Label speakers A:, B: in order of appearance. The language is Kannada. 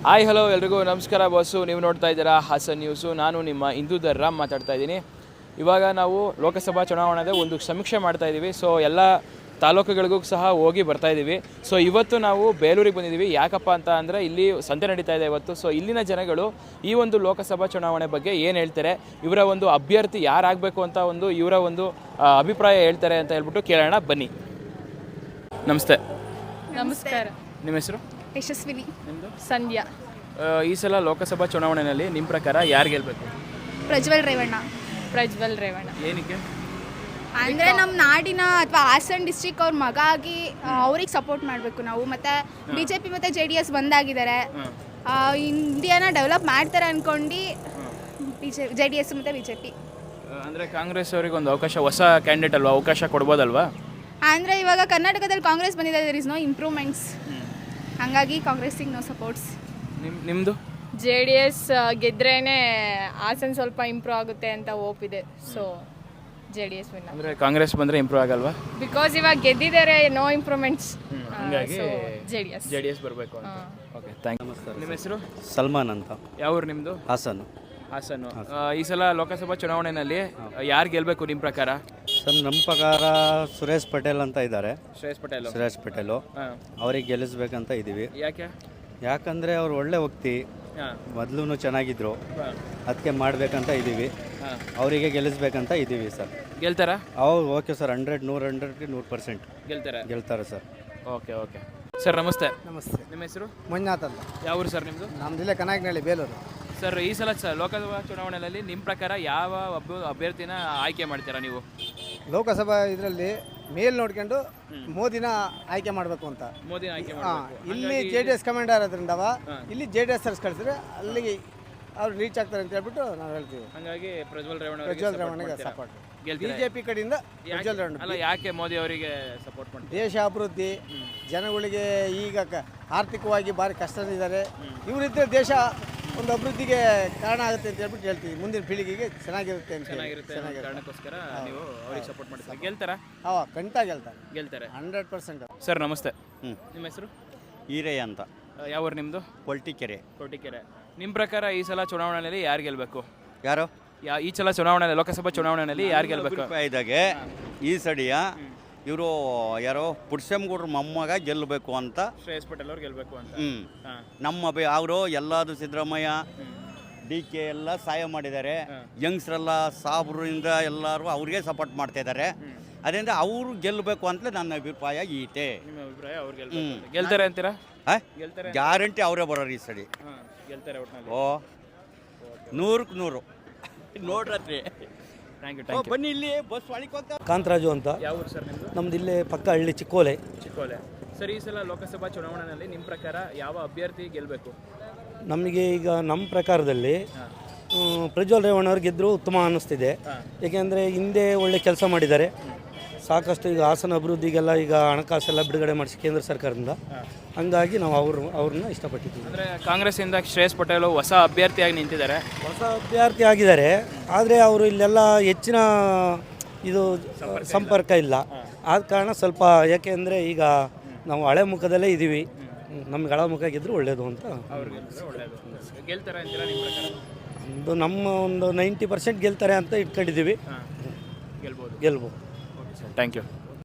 A: ಹಾಯ್ ಹಲೋ ಎಲ್ರಿಗೂ ನಮಸ್ಕಾರ ಬಾಸು. ನೀವು ನೋಡ್ತಾ ಇದ್ದೀರಾ ಹಾಸನ್ ನ್ಯೂಸು. ನಾನು ನಿಮ್ಮ ಇಂದೂಧರ್ ರಾಮ್ ಮಾತಾಡ್ತಾ ಇದ್ದೀನಿ. ಇವಾಗ ನಾವು ಲೋಕಸಭಾ ಚುನಾವಣೆದ ಒಂದು ಸಮೀಕ್ಷೆ ಮಾಡ್ತಾ ಇದ್ದೀವಿ. ಸೊ ಎಲ್ಲ ತಾಲೂಕುಗಳಿಗೂ ಸಹ ಹೋಗಿ ಬರ್ತಾ ಇದ್ದೀವಿ. ಸೊ ಇವತ್ತು ನಾವು ಬೇಲೂರಿಗೆ ಬಂದಿದ್ದೀವಿ. ಯಾಕಪ್ಪ ಅಂತ ಅಂದರೆ ಇಲ್ಲಿ ಸಂತೆ ನಡೀತಾ ಇದೆ ಇವತ್ತು. ಸೊ ಇಲ್ಲಿನ ಜನಗಳು ಈ ಒಂದು ಲೋಕಸಭಾ ಚುನಾವಣೆ ಬಗ್ಗೆ ಏನು ಹೇಳ್ತಾರೆ, ಇವರ ಒಂದು ಅಭ್ಯರ್ಥಿ ಯಾರಾಗಬೇಕು ಅಂತ ಒಂದು ಇವರ ಒಂದು ಅಭಿಪ್ರಾಯ ಹೇಳ್ತಾರೆ ಅಂತ ಹೇಳ್ಬಿಟ್ಟು ಕೇಳೋಣ ಬನ್ನಿ. ನಮಸ್ತೆ.
B: ನಮಸ್ಕಾರ.
A: ನಿಮ್ಮ ಹೆಸರು?
B: ಯಶಸ್ವಿನಿ.
A: ನಿಮ್ಮದು?
B: ಸಂಧ್ಯಾ.
A: ಈ ಸಲ ಲೋಕಸಭಾ ಚುನಾವಣೆಯಲ್ಲಿ ನಿಮ್ಮ ಪ್ರಕಾರ ಯಾರು ಗೆಲ್ಲಬೇಕು?
B: ಪ್ರಜ್ವಲ್ ರೇವಣ್ಣ.
A: ಏನಕ್ಕೆ?
B: ಅಂದರೆ ನಮ್ಮ ನಾಡಿನ ಅಥವಾ ಹಾಸನ್ ಡಿಸ್ಟ್ರಿಕ್ ಅವ್ರ ಮಗ ಆಗಿ ಅವ್ರಿಗೆ ಸಪೋರ್ಟ್ ಮಾಡಬೇಕು ನಾವು. ಮತ್ತು BJP ಮತ್ತು JDS ಬಂದಾಗಿದ್ದಾರೆ, ಇಂಡಿಯಾನ ಡೆವಲಪ್ ಮಾಡ್ತಾರೆ ಅಂದ್ಕೊಂಡು JDS ಮತ್ತು BJP.
A: ಅಂದರೆ ಕಾಂಗ್ರೆಸ್ ಅವರಿಗೆ ಒಂದು ಅವಕಾಶ, ಹೊಸ ಕ್ಯಾಂಡಿಡೇಟ್ ಅಲ್ವಾ, ಅವಕಾಶ ಕೊಡ್ಬೋದಲ್ವಾ?
B: ಅಂದರೆ ಇವಾಗ ಕರ್ನಾಟಕದಲ್ಲಿ ಕಾಂಗ್ರೆಸ್ ಬಂದಿದೆ, ದೇರ್ ಇಸ್ ನೋ ಇಂಪ್ರೂವ್ಮೆಂಟ್ಸ್. ಹಾಗಾಗಿ ಕಾಂಗ್ರೆಸ್ಸಿಗೆ ನೋ ಸಪೋರ್ಟ್ಸ್.
A: ನಿಮ್ಮದು?
C: JDS ಗೆದ್ರೇನೆ ಹಾಸನ್ ಸ್ವಲ್ಪ ಇಂಪ್ರೂವ್ ಆಗುತ್ತೆ ಅಂತ ಹೋಪ್ ಇದೆ. So JDS win.
A: ಅಂದರೆ ಕಾಂಗ್ರೆಸ್ ಬಂದರೆ ಇಂಪ್ರೂವ್ ಆಗಲ್ವಾ?
C: ಬಿಕಾಸ್ ಇವಾಗ ಗೆದ್ದಿದ್ದಾರೆ, ನೋ ಇಂಪ್ರೂವ್ಮೆಂಟ್ಸ್.
A: ಹಾಗಾಗಿ
C: JDS
A: ಬರಬೇಕು ಅಂತ. Okay, thank you. ನಮಸ್ಕಾರ. ನಿಮ್ಮ ಹೆಸರು?
D: ಸಲ್ಮಾನ್ ಅಂತ.
A: ಯಾವ ಊರು ನಿಮ್ಮದು?
D: ಹಾಸನ್ನು.
A: ಈ ಸಲ ಲೋಕಸಭಾ ಚುನಾವಣೆಯಲ್ಲಿ ಯಾರು ಗೆಲ್ಲಬೇಕು ನಿಮ್ಮ ಪ್ರಕಾರ?
D: ಸರ್, ನಮ್ಮ ಪ್ರಕಾರ ಸುರೇಶ್ ಪಟೇಲ್ ಅಂತ ಇದ್ದಾರೆ.
A: ಸುರೇಶ್
D: ಪಟೇಲು ಅವ್ರಿಗೆ ಗೆಲ್ಲಿಸ್ಬೇಕಂತ ಇದ್ದೀವಿ. ಯಾಕಂದರೆ ಅವ್ರು ಒಳ್ಳೆ ವ್ಯಕ್ತಿ, ಮೊದಲು ಚೆನ್ನಾಗಿದ್ರು, ಅದಕ್ಕೆ ಮಾಡಬೇಕಂತ ಇದ್ದೀವಿ. ಅವರಿಗೆ ಗೆಲ್ಲಿಸ್ಬೇಕಂತ ಇದ್ದೀವಿ ಸರ್.
A: ಗೆಲ್ತಾರಾ?
D: ಓಕೆ ಸರ್, 100% ಗೆಲ್ತಾರೆ ಸರ್.
A: ಓಕೆ ಸರ್, ನಮಸ್ತೆ.
E: ನಮಸ್ತೆ.
A: ನಿಮ್ಮ ಹೆಸರು?
E: ಮಂಜುನಾಥ್ ಅಂತ.
A: ಯಾವ ಊರು ಸರ್ ನಿಮ್ಮದು?
E: ನಮ್ಮ ಜಿಲ್ಲೆ ಕನಕನಹಳ್ಳಿ, ಬೇಲೂರು.
A: ಸರ್, ಈ ಸಲ ಲೋಕಸಭಾ ಚುನಾವಣೆಯಲ್ಲಿ ನಿಮ್ಮ ಪ್ರಕಾರ ಯಾವ ಅಭ್ಯರ್ಥಿನ ಆಯ್ಕೆ ಮಾಡ್ತೀರಾ ನೀವು?
E: ಲೋಕಸಭಾ ಇದರಲ್ಲಿ ಮೇಲ್ ನೋಡ್ಕೊಂಡು ಮೋದಿನ ಆಯ್ಕೆ ಮಾಡಬೇಕು ಅಂತ.
A: ಮೋದಿನ ಆಯ್ಕೆ
E: ಇಲ್ಲಿ JDS ಕಮಾಂಡರ್ ಇರೋದ್ರಿಂದ ಇಲ್ಲಿ JDS ಕಳಿಸಿದ್ರೆ ಅಲ್ಲಿಗೆ ಅವ್ರು ರೀಚ್ ಆಗ್ತಾರೆ ಅಂತ ಹೇಳ್ಬಿಟ್ಟು ನಾವು ಹೇಳ್ತೀವಿ.
A: ಹಾಗಾಗಿ ಪ್ರಜ್ವಲ್
E: ರೇವಣ್ಣಗೆ ಸಪೋರ್ಟ್. BJP ಕಡೆಯಿಂದ ಪ್ರಜ್ವಲ್ ರೇವಣ್ಣ.
A: ಅಲ್ಲ, ಯಾಕೆ ಮೋದಿ ಅವರಿಗೆ ಸಪೋರ್ಟ್ ಮಾಡ್ತಾರೆ?
E: ದೇಶ ಅಭಿವೃದ್ಧಿ, ಜನಗಳಿಗೆ ಈಗ ಆರ್ಥಿಕವಾಗಿ ಭಾರಿ ಕಷ್ಟದಿದ್ದಾರೆ. ಇವರಿದ್ದರೆ ದೇಶ ಒಂದು ಅಭಿವೃದ್ಧಿಗೆ ಕಾರಣ ಆಗುತ್ತೆ ಅಂತ ಹೇಳ್ಬಿಟ್ಟು ಹೇಳ್ತೀವಿ. ಮುಂದಿನ ಪೀಳಿಗೆಗೆ ಚೆನ್ನಾಗಿರುತ್ತೆ ಅಂತ
A: ಕಾರಣಕ್ಕೋಸ್ಕರ ನೀವು ಅವರಿಗೆ ಸಪೋರ್ಟ್ ಮಾಡ್ತೀವಿ. ಗೆಲ್ತಾರಾ?
E: ಖಂಡಿತ ಗೆಲ್ತಾರೆ 100%.
A: ಸರ್, ನಮಸ್ತೆ. ನಿಮ್ಮ ಹೆಸರು?
D: ಈರಯ್ಯ ಅಂತ.
A: ಯಾವ ಊರು ನಿಮ್ಮದು?
D: ಕೊಲ್ಟಿಕೆರೆ.
A: ನಿಮ್ಮ ಪ್ರಕಾರ ಈ ಸಲ ಚುನಾವಣೆಯಲ್ಲಿ ಯಾರು ಗೆಲ್ಲಬೇಕು?
D: ಯಾರು?
A: ಈ ಸಲ ಚುನಾವಣೆ, ಲೋಕಸಭಾ ಚುನಾವಣೆಯಲ್ಲಿ ಯಾರು ಗೆಲ್ಲಬೇಕು?
D: ಇದಾಗೆ ಈ ಸಡಿಯ ಇವರು ಯಾರೋ ಪುಟ್ಸೆಮ್ಗೌಡ್ರ ಮೊಮ್ಮಗ ಗೆಲ್ಲಬೇಕು ಅಂತ.
A: ಶ್ರೇಯಸ್ ಪಟೇಲ್ ಅವ್ರು ಗೆಲ್ಲಬೇಕು ಅಂತ.
D: ನಮ್ಮ ಅವರು ಎಲ್ಲಾದು ಸಿದ್ದರಾಮಯ್ಯ DK ಎಲ್ಲ ಸಹಾಯ ಮಾಡಿದ್ದಾರೆ. ಯಂಗ್ಸ್ರೆಲ್ಲ ಸಾಬ್ರಿಂದ ಎಲ್ಲರೂ ಅವ್ರಿಗೆ ಸಪೋರ್ಟ್ ಮಾಡ್ತಾ ಇದ್ದಾರೆ. ಅದರಿಂದ ಅವರು ಗೆಲ್ಲಬೇಕು ಅಂತಲೇ ನನ್ನ ಅಭಿಪ್ರಾಯ ಈತೆ.
A: ನಿಮ್ಮ ಅಭಿಪ್ರಾಯ ಅವ್ರು ಗೆಲ್ತಾರೆ ಅಂತೀರಾ?
D: ಗ್ಯಾರಂಟಿ ಅವರೇ ಬರೋರು ಈ ಸಡಿ.
A: ಗೆಲ್ತಾರೆ.
D: 100ಕ್ಕೆ 100 ನೋಡ್ರಿ.
A: Thank you.
D: ಬನ್ನಿ, ಇಲ್ಲಿ ಬಸ್ ಹೊಳಿಕೊಂತ.
E: ಕಾಂತರಾಜು ಅಂತ.
A: ಯಾವ ಊರು ಸರ್ ನಿಮ್ಮದು?
E: ನಮ್ದು ಇಲ್ಲೇ ಪಕ್ಕ ಹಳ್ಳಿ ಚಿಕ್ಕೋಲೆ.
A: ಸರ್, ಈ ಸಲ ಲೋಕಸಭಾ ಚುನಾವಣೆಯಲ್ಲಿ ನಿಮ್ಮ ಪ್ರಕಾರ ಯಾವ ಅಭ್ಯರ್ಥಿ ಗೆಲ್ಲಬೇಕು?
E: ನಮಗೆ ಈಗ ನಮ್ಮ ಪ್ರಕಾರದಲ್ಲಿ ಪ್ರಜ್ವಲ್ ರೇವಣ್ಣವ್ರು ಗೆದ್ದರು ಉತ್ತಮ ಅನ್ನಿಸ್ತಿದೆ. ಏಕೆಂದರೆ ಹಿಂದೆ ಒಳ್ಳೆ ಕೆಲಸ ಮಾಡಿದ್ದಾರೆ ಸಾಕಷ್ಟು. ಈಗ ಹಾಸನ ಅಭಿವೃದ್ಧಿಗೆಲ್ಲ ಈಗ ಹಣಕಾಸೆಲ್ಲ ಬಿಡುಗಡೆ ಮಾಡಿಸಿ ಕೇಂದ್ರ ಸರ್ಕಾರದಿಂದ. ಹಂಗಾಗಿ ನಾವು ಅವ್ರನ್ನ ಇಷ್ಟಪಟ್ಟಿದ್ದೀವಿ.
A: ಅಂದರೆ ಕಾಂಗ್ರೆಸ್ಸಿಂದ ಶ್ರೇಯಸ್ ಪಟೇಲ್ ಹೊಸ ಅಭ್ಯರ್ಥಿಯಾಗಿ ನಿಂತಿದ್ದಾರೆ.
E: ಹೊಸ ಅಭ್ಯರ್ಥಿ ಆಗಿದ್ದಾರೆ, ಆದರೆ ಅವರು ಇಲ್ಲೆಲ್ಲ ಹೆಚ್ಚಿನ ಇದು ಸಂಪರ್ಕ ಇಲ್ಲ. ಆದ ಕಾರಣ ಸ್ವಲ್ಪ, ಯಾಕೆಂದರೆ ಈಗ ನಾವು ಹಳೆ ಮುಖದಲ್ಲೇ ಇದ್ದೀವಿ, ನಮ್ಗೆ ಹಳೆ ಮುಖ ಗೆದ್ದರೂ ಒಳ್ಳೆಯದು ಅಂತ. ನಮ್ಮ ಒಂದು 90% ಗೆಲ್ತಾರೆ ಅಂತ ಇಟ್ಕೊಂಡಿದ್ದೀವಿ.
A: ಗೆಲ್ಬೋದು.
E: Thank you.